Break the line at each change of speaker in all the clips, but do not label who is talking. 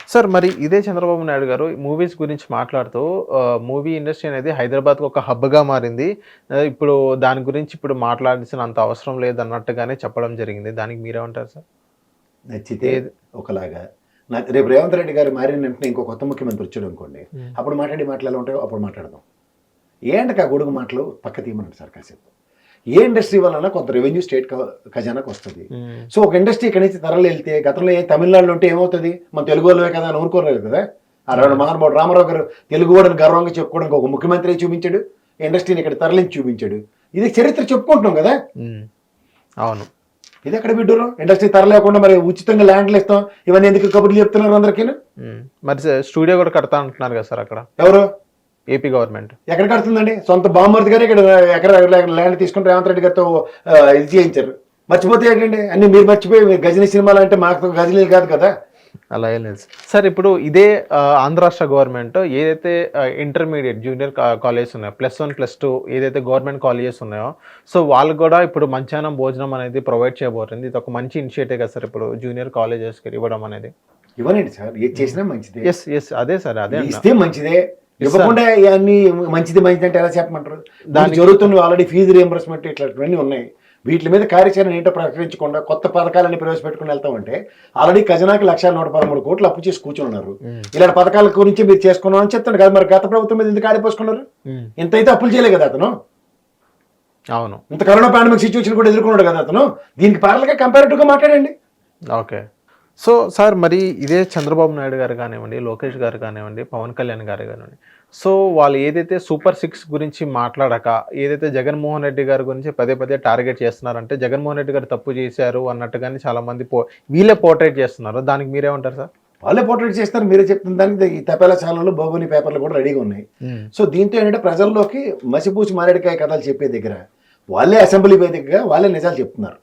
Sir మరి ఇదే చంద్రబాబు నాయుడు గారు మూవీస్ గురించి మాట్లాడుతూ మూవీ ఇండస్ట్రీ అనేది హైదరాబాద్‌కి ఒక హబ్‌గా మారింది. ఇప్పుడు దాని గురించి ఇప్పుడు మాట్లాడాల్సినంత అవసరం లేదన్నట్టుగానే చెప్పడం జరిగింది. దానికి మీరేమంటారు సార్?
నచ్చితే
ఏది
ఒకలాగా రేపు రేవంత్ రెడ్డి గారు మారిన వెంటనే ఇంకో కొత్త ముఖ్యమంత్రి వచ్చాడు అనుకోండి,
హ్మ్.
అప్పుడు మాట్లాడి మాటలు ఎలా ఉంటాయో అప్పుడు మాట్లాడదాం. ఏంటక ఆ గొడుగు మాటలు పక్క తీయమనండి సార్ కాసేపు. ఏ ఇండస్ట్రీ వలన కొంత రెవెన్యూ స్టేట్ ఖజానాకు వస్తుంది.
హ్మ్.
సో ఒక ఇండస్ట్రీ ఇక్కడి నుంచి తరలి వెళ్తే గతంలో తమిళనాడులో ఉంటే ఏమవుతుంది, మన తెలుగు వాళ్ళే కదా అని ఊరుకోలేదు కదా. ఆ రెండు మహానుభావుడు రామారావు గారు తెలుగు వాడని గర్వంగా చెప్పుకోవడానికి ఒక ముఖ్యమంత్రి చూపించాడు, ఇండస్ట్రీని ఇక్కడ తరలించి చూపించాడు. ఇది చరిత్ర చెప్పుకుంటున్నాం కదా.
హ్మ్. అవును.
ఇది ఎక్కడ బిడ్డరు ఇండస్ట్రీ తరలేకుండా మరి ఉచితంగా ల్యాండ్లు ఇస్తాం ఇవన్నీ ఎందుకు కబుర్లు చెప్తున్నారు అందరికీ.
మరి స్టూడియో కూడా కడతా అంటున్నారు కదా సార్ అక్కడ
ఎవరు
ఏపీ గవర్నమెంట్.
ఎక్కడ కడుతుందండి? సొంత బామ్మర్ది గారు ఇక్కడ ఎక్కడ ల్యాండ్ తీసుకుని రేవంత్ రెడ్డి గారితో ఇది చేయించారు. మర్చిపోతే ఏంటండి అన్ని మీరు మర్చిపోయి మీరు గజనీ సినిమాలు అంటే మాకు గజనీలు కాదు కదా.
అలా ఏం లేదు సార్. ఇప్పుడు ఇదే ఆంధ్ర రాష్ట్ర గవర్నమెంట్ ఏదైతే ఇంటర్మీడియట్ జూనియర్ కాలేజెస్ ఉన్నాయో +1 +2 ఏదైతే గవర్నమెంట్ కాలేజెస్ ఉన్నాయో, సో వాళ్ళకు కూడా ఇప్పుడు మధ్యాహ్నం భోజనం అనేది ప్రొవైడ్ చేయబోతుంది. ఇది ఒక మంచి ఇనిషియేటివ్ కదా సార్ ఇప్పుడు జూనియర్ కాలేజెస్కి ఇవ్వడం అనేది.
ఇవ్వనండి సార్, ఏది చేసినా మంచిదే.
ఎస్ అదే సార్, అదే
ఇస్తే మంచిదే. ఇవ్వకుండా ఇవన్నీ మంచిది అంటే ఎలా చెప్పమంటారు? దానికి జరుగుతున్న ఆల్రెడీ ఫీజు రియంబర్స్మెంట్ ఇట్లాంటివన్నీ ఉన్నాయి. వీటి మీద కార్యాచరణ ఏంటో ప్రకటించకుండా కొత్త పథకాలన్నీ ప్రవేశపెట్టుకుని వెళ్తామంటే ఆల్రెడీ ఖజనాకి 1,113 కోట్లు అప్పు చేసి కూర్చొని ఉన్నారు. ఇలాంటి పథకాల గురించి మీరు చేసుకున్నాం అని చెప్తాను కదా. మరి గత ప్రభుత్వం మీద ఎందుకు ఆడిపోసుకున్నారు? ఇంతైతే అప్పులు చేయలే కదా అతను.
అవును,
ఇంత కరోనా పాండమిక్ సిచ్యువేషన్ కూడా ఎదుర్కొన్నాడు కదా అతను. దీనికి ప్యారల్గా కంపారిటివ్గా మాట్లాడండి.
ఓకే. సో సార్ మరి ఇదే చంద్రబాబు నాయుడు గారు కానివ్వండి, లోకేష్ గారు కానివ్వండి, పవన్ కళ్యాణ్ గారు కానివ్వండి, సో వాళ్ళు ఏదైతే సూపర్ 6 గురించి మాట్లాడక ఏదైతే జగన్మోహన్ రెడ్డి గారి గురించి పదే టార్గెట్ చేస్తున్నారంటే జగన్మోహన్ రెడ్డి గారు తప్పు చేశారు అన్నట్టుగానే చాలా మంది వీళ్ళే పోర్ట్రేట్ చేస్తున్నారు. దానికి మీరేమంటారు సార్?
వాళ్ళే పోర్ట్రేట్ చేస్తారు, మీరే చెప్తున్న దానికి ఈ తపేలా ఛానళ్ళు బోగోని పేపర్లు కూడా రెడీగా ఉన్నాయి. సో దీంతో ఏంటంటే ప్రజల్లోకి మసిపూసి మారేడికాయ కథలు చెప్పే దగ్గర వాళ్ళే అసెంబ్లీ వేదికగా వాళ్ళే నిజాలు చెప్తున్నారు.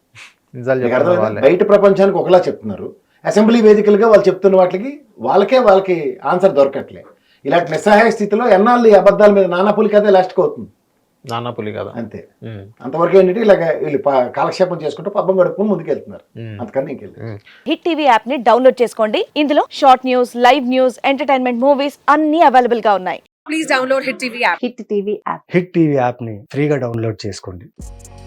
బయట ప్రపంచానికి ఒకలా చెప్తున్నారు, అసెంబ్లీ వేదికలుగా వాళ్ళు చెప్తున్న వాటికి వాళ్ళకి ఆన్సర్ దొరకట్లే. ఇలాంటి నిస్సహాయ స్థితిలో ఎన్నాళ్ళు ఈ అబద్ధాల మీద నానాపులి కథ లాస్ట్కి అవుతుంది.
నానాపులి కదా
అంతే. అంతవరకు ఏంటంటే ఇలాగ వీళ్ళు కాలక్షేపం చేసుకుంటూ పబ్బం గడుపుకుని ముందుకెళ్తున్నారు. అంతకన్నా ఇంకెళ్ళి
హిట్ టీవీ యాప్ ని డౌన్లోడ్ చేసుకోండి. ఇందులో short news, live news, entertainment movies అన్ని అవైలబుల్ గా ఉన్నాయి. Please download hit TV app.
Hit TV app ని ఫ్రీగా డౌన్లోడ్ చేసుకోండి.